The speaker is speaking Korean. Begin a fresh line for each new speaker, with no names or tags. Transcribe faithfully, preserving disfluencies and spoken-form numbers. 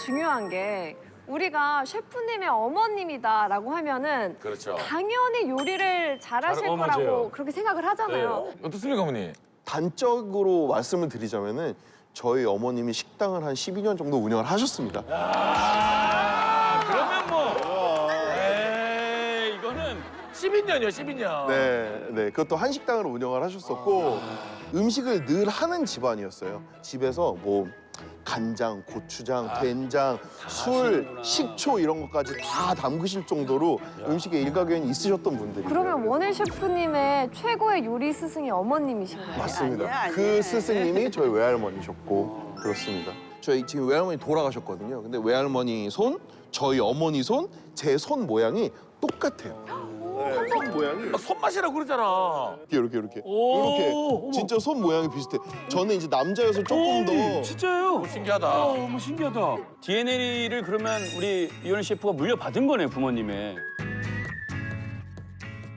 중요한 게 우리가 셰프님의 어머님이다라고 하면은
그렇죠.
당연히 요리를 잘하실
잘- 어,
거라고
맞아요.
그렇게 생각을 하잖아요.
어떻습니까, 어머니?
단적으로 말씀을 드리자면은 저희 어머님이 식당을 한 십이 년 정도 운영을 하셨습니다.
아, 그러면 뭐. 에이, 이거는
십이 년이요, 십이 년.
네, 네. 그것도 한식당으로 운영을 하셨었고 음식을 늘 하는 집안이었어요. 집에서 뭐 간장, 고추장, 된장, 술, 식초 이런 것까지 다 담그실 정도로 음식에 일가견이 있으셨던 분들이
그러면 원일 셰프님의 최고의 요리 스승이 어머님이신 거예요?
맞습니다.
아니야, 아니야.
그 스승님이 저희 외할머니셨고 그렇습니다. 저희 지금 외할머니 돌아가셨거든요. 근데 외할머니 손, 저희 어머니 손, 제 손 모양이 똑같아요. 네, 손 모양이
아, 손맛이라고 그러잖아.
이렇게 이렇게
오,
이렇게
어머.
진짜 손 모양이 비슷해. 저는 이제 남자여서 조금 더
진짜요?
신기하다.
어, 너무 신기하다. 디엔에이를 그러면 우리 이현희 셰프가 물려받은 거네, 부모님의.